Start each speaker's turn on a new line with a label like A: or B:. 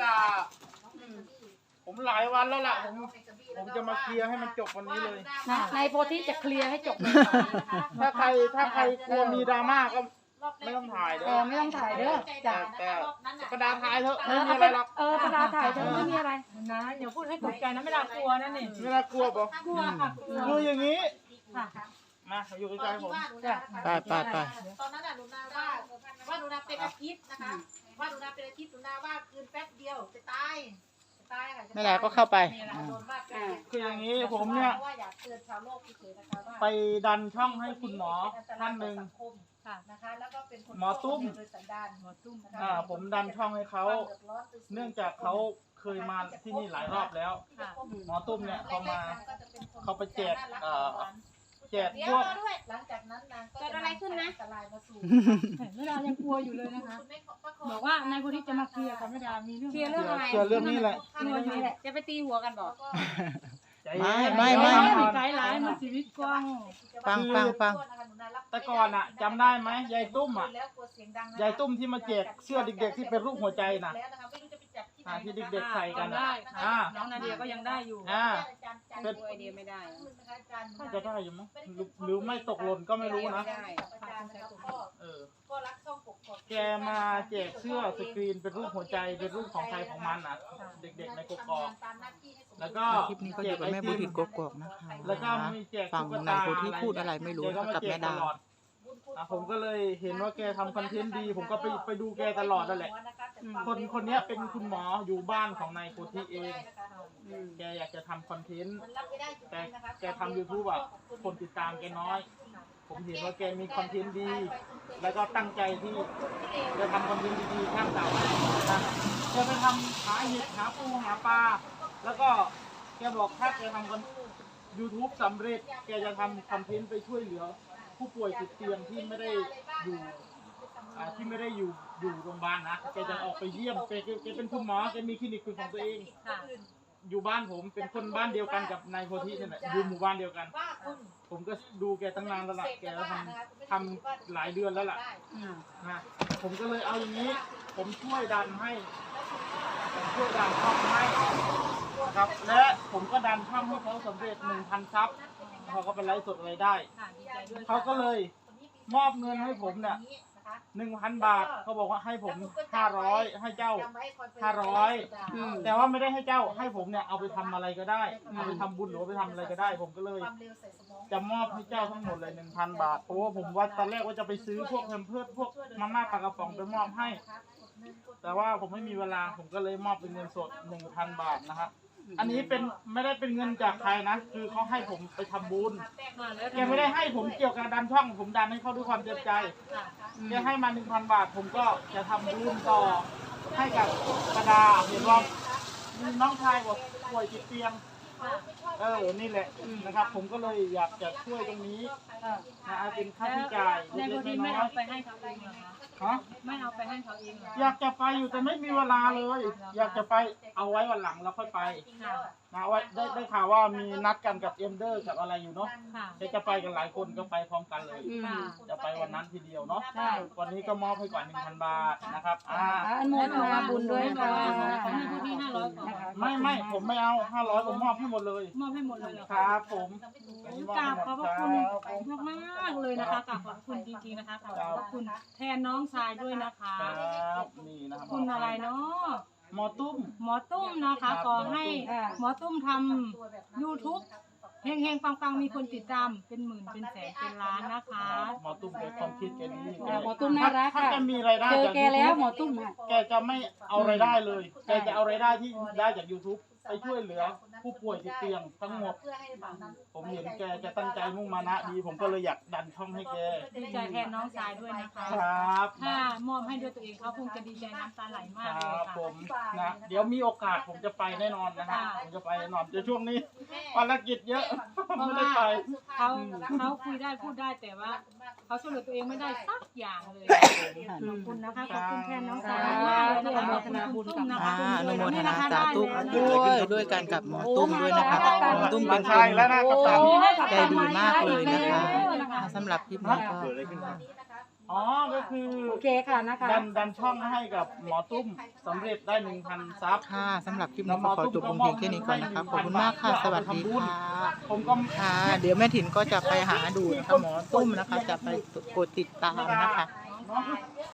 A: ด่าผมหลายวันแล้วล่ะผมจะมาเคลียร์ให้มันจบวันนี้เลย
B: ในโพธิจะเคลียร์ให้จบเลย
A: ถ้าใครกลัวมีดราม่าก็ไม่ต้องถ่ายเด้อ
B: ไม่ต้องถ่ายเด้อจ้ะ
A: แต่ประดาถ่ายเถอะไม่มีอะไรหรอก
B: ประดาถ่ายเถอะไม่มีอะไร
C: นะอย่าพูดให้ตกใจนะไม่น่ากลัวนะนี่
A: ไม่น่ากลัวป่ะ
C: กลัวค่ะ
A: คืออย่างนี้มาอยู่ใกล้ๆผม
D: ไป
E: ตอนนั้นหนูนาว่าหนูนาเป็นอาทิตย์นะคะว่าหนูนาเป็นอาทิตย์หนูนาว่าคืนแป๊บเดียวจะตายค่ะ
D: ไม่ได้ก็เข้าไป
A: คืออย่างนี้ผมเนี่ยไปดันช่องให้คุณหมอท่านหนึ่งหมอตุ้มผมดันช่องให้เขาเนื่องจากเขาเคยมาที่นี่หลายรอบแล้วหมอตุ้มเนี่ยเขาไปแจกพวก
E: หลังจากนั้นนางก็
B: เกิดอะไรขึ้นนะ
C: ไม่ดายังกลัวอยู่เลยนะคะบอกว่านายโพธิจะมาเคลียร์กับไม่ดามีเรื่อง
B: เคลียร์เรื่องอะไร
A: เกี่ยวเรื่องนี้แหละ
B: เรื่องนี้แหละจะไปตีหัวกันบอก
D: ไม่
C: ไกด์ไลน์มาชีวิตกว้าง
D: ฟัง
A: แต่ก่อนอ่ะจำได้ไหมยายตุ้มอ่ะยายตุ้มที่มาแจกเสื้อเด็กๆที่เป็นรูปหัวใจน่ะที่เด็กๆใส่กัน
C: ได้น้องนาเดียก็ยังได้อยู่
B: เป็นไอเดียไม่ได้
A: น่าจะได้อยู่มั้งหรือไม่ตกหล่นก็ไม่รู้นะแกมาแจกเสื้อสกรีนเป็นรูปหัวใจเป็นรูปของใครของมันอ่ะเด็กๆในกกอกแล้วก็
D: คลิปนี้ก็อยู่กับแม่โพธิกกอกนะคะ
A: แล้วก็มีแจก
D: ฟัง
A: ตุ๊ก
D: นาย
A: ตา
D: โพธิพูดอะไรไม่รู้กับแม่ดา
A: ผมก็เลยเห็นว่าแกทำคอนเทนต์ดีผมก็ไปดูแกตลอดนั่นแหละคนนี้เป็นคุณหมออยู่บ้านของนายโพธิเองแกอยากจะทำคอนเทนต์แต่แกทำ YouTube อ่ะคนติดตามแกน้อยผมเห็นว่าแกมีคอนเทนต์ดีแล้วก็ตั้งใจที่จะทำคอนเทนต์ดีๆข้างเสานะแกไปทำหาเห็ดหาปูหาปลาแล้วก็แกบอกถ้าแกทำคอน YouTube สำเร็จแกจะทำคอนเทนต์ไปช่วยเหลือผู้ป่วยติดเตียงที่ไม่ได้อยู่โรงพยาบาลนะแกจะออกไปเยี่ยมแกเป็นคุณหมอแกมีคลินิกเป็นของตัวเองอยู่บ้านผมเป็นคนบ้านเดียวกันกับนายโพธินี่แหละอยู่หมู่บ้านเดียวกันผมก็ดูแกตั้งนานแล้วล่ะแกทำหลายเดือนแล้วล่ะนะผมก็เลยเอาอย่างนี้ผมช่วยดันช่องให้ครับและผมก็ดันช่องให้เขาสำเร็จ 1,000 ซับเขาก็เป็นไลฟ์สดอะไรได้เขาก็เลยมอบเงินให้ผมเนี่ย 1,000 บาทเขาบอกว่าให้ผม500ให้เจ้า500แต่ว่าไม่ได้ให้เจ้าให้ผมเนี่ยเอาไปทำอะไรก็ได้เอาไปทำบุญหรือไปทำอะไรก็ได้ผมก็เลยจะมอบให้เจ้าทั้งหมดเลย 1,000 บาทเพราะว่าผมว่าตอนแรกว่าจะไปซื้อพวกแพมเพิร์สพวกมาม่าปลากระป๋องไปมอบให้แต่ว่าผมไม่มีเวลาผมก็เลยมอบเป็นเงินสด 1,000 บาทนะครับอันนี้ไม่ได้เป็นเงินจากใครนะคือเขาให้ผมไปทำบุญแกไม่ได้ให้ผมเกี่ยวกับดันช่องผมดันให้เขาด้วยความเต็มใจแกให้มา 1,000 บาทผมก็จะทำบุญต่อให้กับประดาเห็นว่ามีน้องชายบอกป่วยติดเตียงนี่แหละนะครับผมก็เลยอยากจะช่วยตรงนี้นะเป็นค่าใช้จ่ายเล็กๆน้อย
C: ไปให้เขาเองเหรอคะไม่เอาไปให้เขาเองเหรอ
A: อยากจะไปอยู่แต่ไม่มีเวลาเลย อยากจะไปเอาไว้วันหลังแล้วค่อยไปนะว่าได้ข่าวว่ามีนัดกันกับเอ็มเดอร์กับอะไรอยู่เนาะจะไปกันหลายคนก็ไปพร้อมกันเลยจะไปวันนั้นทีเดียวเนาะวันนี้ก็มอบให้ก่อน 1,000 บาทนะครับ
B: อนโมทนาบุญด้วยค่ะ
C: ของพี่พี่500
A: ไม่ผมไม่เอา500ผมมอบให้หมดเลย
C: มอบให้หมดเลยเหรอ
A: ครับผม
C: กราบขอบพระคุณมากๆเลยนะคะกราบขอบคุณจริงๆนะคะกราบขอบคุณแทนน้องชายด้วยนะคะ
A: ครับนี่นะครับ
C: คุณอะไรเนาะ
A: หมอตุ้ม
C: หมอตุ้มนะคะขอให้หมอตุ้มทำ YouTube เฮงๆปังๆมีคนติดตามเป็นหมื่นเป็นแสนเป็นล้านนะคะ
A: หมอตุ้มแกความคิดแกดี
B: หมอตุ้มน่ารัก
A: ถ้า
B: ค่ะ
A: แกมีรายได้
B: เจอ
A: จาก
B: แกแล้วหมอตุ้ม
A: แกจะไม่เอารายได้เลยแกจะเอารายได้ที่ได้จาก YouTube ไปช่วยเหลือผู้ป่วยติดเตียงทั้งหมดผมเห็นแกจะตั้งใจมุ่งมานะดีผมก็เลยอยากดันช่องให้แก
C: ดีใจแทนน้องชายด้วยนะคะ
A: ครับ
C: ถ้ามอบให้ด้วยตัวเองเขาคงจะดีใจน้ำตาไหลมาก
A: ค
C: เลย
A: รับ
C: ค่ะ
A: ผมนะเดี๋ยวมีโอกาสผมจะไปแน่นอนนะฮะผมจะไปแน่นอนเดี๋ยวช่วงนี้ภารกิจเยอะไม่ได้ไป
C: เขาคุยได้พูดได้แต่ว่าเขาช่วยเหลือตัวเองไม่ได้สักอย่างเลยขอบคุณนะคะขอบคุณแทนน้องชายมากเลยนะคะขอบคุณคุณตุ้มนะคะ
D: อนุโมทนาสาธุด้วยกันกับหมอตุ้มด้วยนะคะหมอตุ้มเป็นค
A: ใช่
D: น
A: แล้วนะกัปตัน
D: ใจดีมากเลยนะคะสำหรับคลิปนี้ก็
A: อ๋อก็คือ
B: โอเคค่ะนะคะ
A: ดันช่องให้กับหมอตุ้มสำเร็จได้ 1,000 ซับ
D: ค่ะสำหรับคลิปนี้ก็ขอจบลงเพียงแค่นี้ก่อนนะคะขอบคุณมากค่ะสวัสดีค่ะ
A: ผมก็
D: ค่ะ เดี๋ยวแม่ถิ่นก็จะไปหาดูนะคะหมอตุ้มนะคะ จะไปกดติดตามนะคะ
A: เนาะ